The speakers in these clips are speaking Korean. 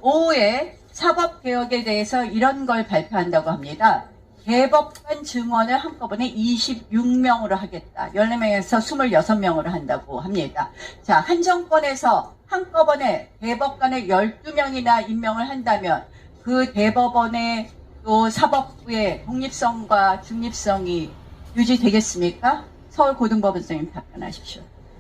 오후에 사법개혁에 대해서 이런 걸 발표한다고 합니다. 대법관 증원을 한꺼번에 26명으로 하겠다. 14명에서 26명으로 한다고 합니다. 자, 한 정권에서 한꺼번에 대법관을 12명이나 임명을 한다면 그 대법원의 또 사법부의 독립성과 중립성이 유지되겠습니까? 서울고등법원장님 답변하십시오.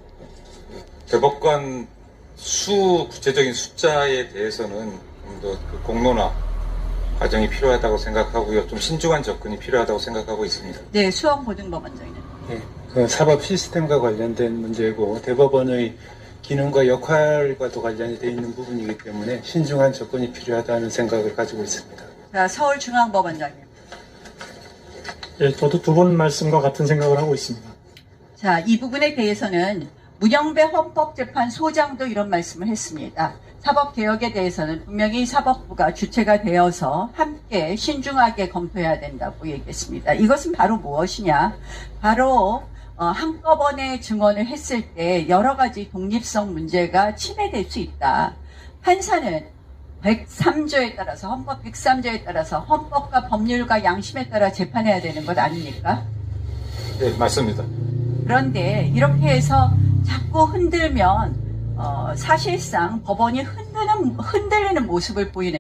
대법관 구체적인 숫자에 대해서는 좀 더 그 공론화 과정이 필요하다고 생각하고요. 좀 신중한 접근이 필요하다고 생각하고 있습니다. 네, 수원고등법원장님. 네, 그 사법 시스템과 관련된 문제고 대법원의 기능과 역할과도 관련이 되어 있는 부분이기 때문에 신중한 접근이 필요하다는 생각을 가지고 있습니다. 자, 서울중앙법원장님. 예, 저도 두 분 말씀과 같은 생각을 하고 있습니다. 자, 이 부분에 대해서는 문영배 헌법재판소장도 이런 말씀을 했습니다. 사법개혁에 대해서는 분명히 사법부가 주체가 되어서 함께 신중하게 검토해야 된다고 얘기했습니다. 이것은 바로 무엇이냐? 바로 한꺼번에 증언을 했을 때 여러 가지 독립성 문제가 침해될 수 있다. 판사는 103조에 따라서 헌법 103조에 따라서 헌법과 법률과 양심에 따라 재판해야 되는 것 아닙니까? 네, 맞습니다. 그런데 이렇게 해서 자꾸 흔들면 사실상 법원이 흔들리는 모습을 보이는